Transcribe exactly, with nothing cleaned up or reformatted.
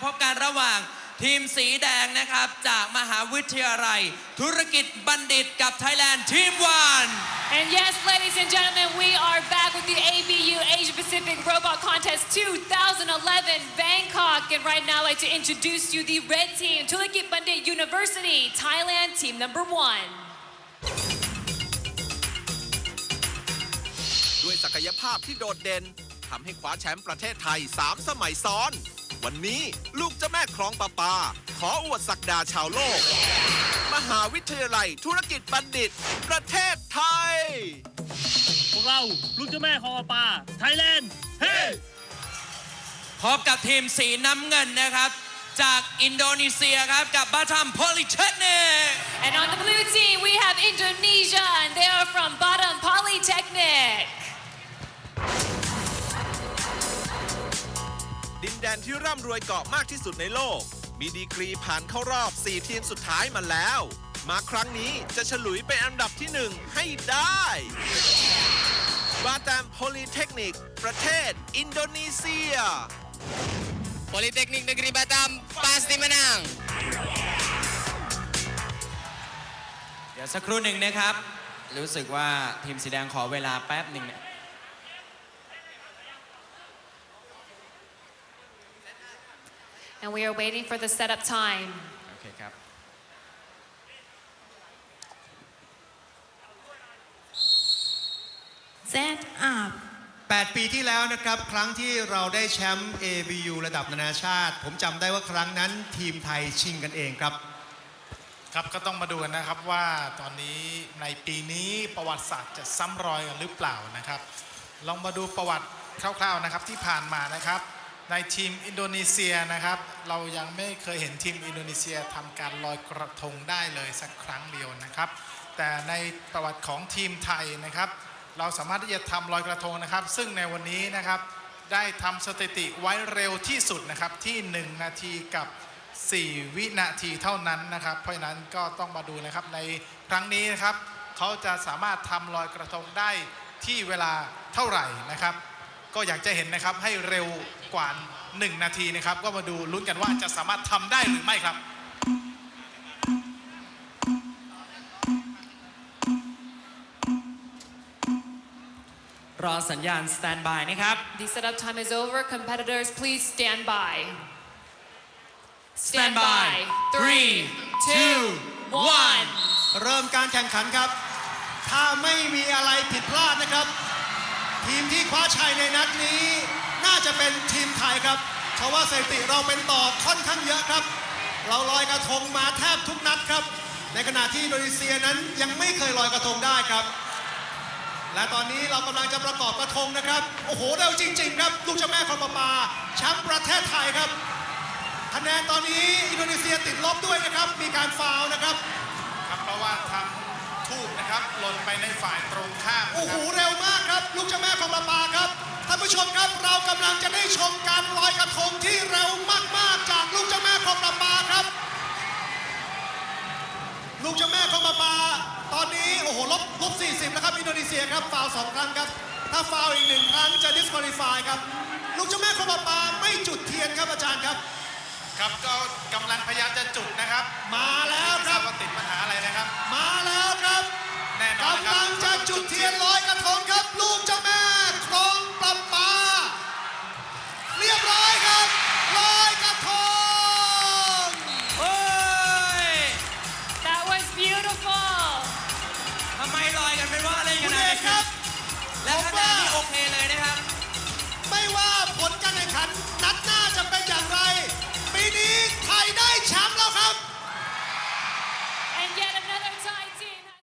พบกันระหว่างทีมสีแดงนะครับจากมหาวิทยาลัยธุรกิจบัณฑิตกับ Thailand Team One And yes, ladies and gentlemen, we are back with the A B U Asia Pacific Robot Contest twenty eleven Bangkok. And right now, I'd like to introduce you the red team, Thurikit Bandit University, Thailand, team number one. ด้วยศักยภาพที่โดดเด่นทำให้คว้าแชมป์ประเทศไทยสามสมัยซ้อนวันนี้ลูกเจ้าแม่คลองประปาขออวดศักดาชาวโลกมหาวิทยาลัยธุรกิจบัณฑิตประเทศไทยพวกเราลูกเจ้าแม่คลองประปาไทยแลนด์เฮ้พบกับทีมสีน้ำเงินนะครับจากอินโดนีเซียครับกับ Batam Polytechnic And on the blue team, we have Indonesia, and they are from Batam Polytechnic. ดินแดนที่ร่ำรวยเกาะมากที่สุดในโลกมีดีกรีผ่านเข้ารอบสี่ทีมสุดท้ายมาแล้วมาครั้งนี้จะฉลุยเป็นอันดับที่หนึ่งให้ได้บาตามโพลีเทคนิคประเทศอินโดนีเซีย Politeknik Negeri Batam pasti menang เดี๋ยวสักครู่หนึ่งนะครับรู้สึกว่าทีมสีแดงขอเวลาแป๊บหนึ่งเนี่ย And we are waiting for the setup time. โอเคครับ Set up แปด ปีที่แล้วนะครับครั้งที่เราได้แชมป์ เอ บี ยู ระดับนานาชาติผมจำได้ว่าครั้งนั้นทีมไทยชิงกันเองครับครับก็ต้องมาดูกันนะครับว่าตอนนี้ในปีนี้ประวัติศาสตร์จะซ้ำรอยกันหรือเปล่านะครับลองมาดูประวัติคร่าวๆนะครับที่ผ่านมานะครับในทีมอินโดนีเซียนะครับเรายังไม่เคยเห็นทีมอินโดนีเซียทำการลอยกระทงได้เลยสักครั้งเดียวนะครับแต่ในประวัติของทีมไทยนะครับเราสามารถที่จะทำลอยกระทงนะครับซึ่งในวันนี้นะครับได้ทำสถิติไว้เร็วที่สุดนะครับที่หนึ่งนาทีกับสี่วินาทีเท่านั้นนะครับเพราะฉะนั้นก็ต้องมาดูนะครับในครั้งนี้นะครับเขาจะสามารถทำลอยกระทงได้ที่เวลาเท่าไหร่นะครับก็อยากจะเห็นนะครับให้เร็วกว่าหนึ่งนาทีนะครับก็มาดูลุ้นกันว่าจะสามารถทำได้หรือไม่ครับรอสัญญาณ stand by นะครับ The setup time is over. Competitors, please stand by. stand by three two one เริ่มการแข่งขันครับถ้าไม่มีอะไรผิดพลาดนะครับทีมที่คว้าชัยในนัดนี้น่าจะเป็นทีมไทยครับเพราะว่าสถิติเราเป็นต่อค่อนข้างเยอะครับเราลอยกระทงมาแทบทุกนัดครับในขณะที่อินโดนีเซียนั้นยังไม่เคยลอยกระทงได้ครับและตอนนี้เรากำลังจะประกอบกระทงนะครับโอ้โหเร็วจริงๆครับลูกเจ้าแม่คลองประปาแชมป์ประเทศไทยครับคะแนนตอนนี้อินโดนีเซียติดลบด้วยนะครับมีการฟาวล์นะครับครับเพราะว่าทำทูบนะครับหล่นไปในฝ่ายตรงข้ามโอ้โหเร็วมากครับลูกเจ้าแม่คลองประปาครับท่านผู้ชมครับเรากำลังจะได้ชมการลอยกระทงที่เร็วมากๆจากลูกเจ้าแม่คลองประปาครับลูกเจ้าแม่คลองประปาตอนนี้โอ้โหลบลบสี่สิบแล้วครับอินโดนีเซียครับฟาวล์สองครั้งครับถ้าฟาวล์อีกหนึ่งครั้งจะ disqualify ครับลูกเจ้าแม่คลองประปาไม่จุดเทียนครับอาจารย์ครับครับก็กำลังพยายามจะจุดนะครับมาแล้วครับว่าติดปัญหาอะไรนะครับมาแล้วครับแน่นอนกำลังจะจุดเทียนลอยกระทงครับลูกเจ้าแม่คลองประปาเรียบร้อยครับลอยกระทงโอ้ย That was beautiful. ทำไมลอยกันไม่ว่าเล่นขนาดนี้ครับและคะแนนที่โอ